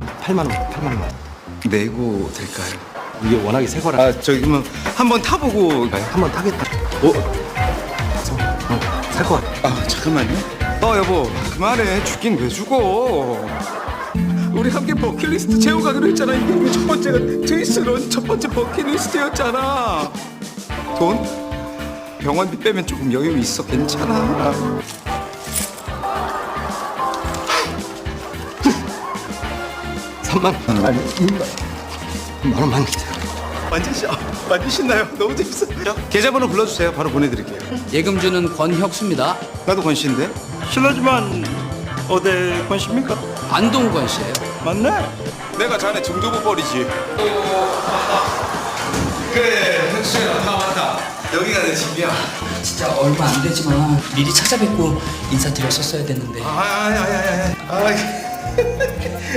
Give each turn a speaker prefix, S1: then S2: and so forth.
S1: 8만 원, 8만 원.
S2: 내고 될까요?
S1: 이게 워낙에 새 거라.
S2: 아 저기 그러면 한번 타보고 가요.
S1: 한번 타겠다. 살 것 같아.
S2: 아 잠깐만요. 여보 그만해. 죽긴 왜 죽어. 우리 함께 버킷리스트 채워가기로 했잖아. 이게 우리 첫 번째가 트위스런 첫 번째 버킷리스트였잖아. 돈? 병원비 빼면 조금 여유 있어. 괜찮아.
S1: 3만 원. 아니, 2만 원만 기다려.
S2: 완전 신나요. 너무 재밌어요. 계좌번호 불러주세요. 바로 보내드릴게요.
S3: 예금주는 권혁수입니다.
S2: 나도 권씨인데.
S4: 실례지만 어디 권씨입니까?
S3: 안동권 씨예요.
S4: 맞네.
S2: 내가 자네 정도못 버리지. 그래, 혁수야, 다 왔다. 여기가 내 집이야.
S3: 진짜 얼마 안 되지만 미리 찾아뵙고 인사드렸었어야 됐는데.
S2: 아이.